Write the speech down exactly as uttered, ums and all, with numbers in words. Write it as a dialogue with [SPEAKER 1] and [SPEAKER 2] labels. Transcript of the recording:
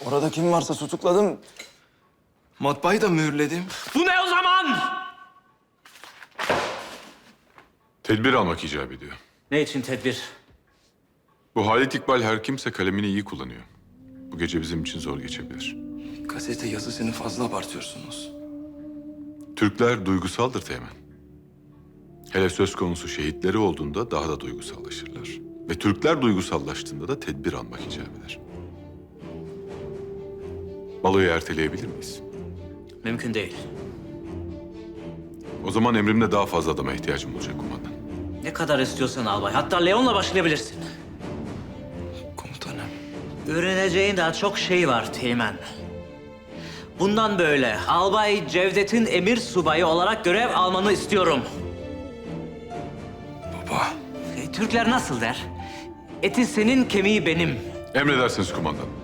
[SPEAKER 1] Orada kim varsa tutukladım. Matbaayı da mühürledim.
[SPEAKER 2] Bu ne o zaman?
[SPEAKER 3] Tedbir almak icap ediyor.
[SPEAKER 2] Ne için tedbir?
[SPEAKER 3] Bu Halit İkbal her kimse kalemini iyi kullanıyor. Bu gece bizim için zor geçebilir.
[SPEAKER 1] Gazete yazısını fazla abartıyorsunuz.
[SPEAKER 3] Türkler duygusaldır Teğmen. Hele söz konusu şehitleri olduğunda daha da duygusallaşırlar. Ve Türkler duygusallaştığında da tedbir almak icap eder. Baloyu erteleyebilir miyiz?
[SPEAKER 2] Mümkün değil.
[SPEAKER 3] O zaman emrimde daha fazla adama ihtiyacım olacak kumandan.
[SPEAKER 2] Ne kadar istiyorsan albay. Hatta Leon'la başlayabilirsin.
[SPEAKER 1] Komutanım.
[SPEAKER 2] Öğreneceğin daha çok şey var Teğmen. Bundan böyle Albay Cevdet'in emir subayı olarak görev almanı istiyorum.
[SPEAKER 1] Baba.
[SPEAKER 2] E, Türkler nasıl der? Eti senin, kemiği benim.
[SPEAKER 3] Emredersiniz kumandan.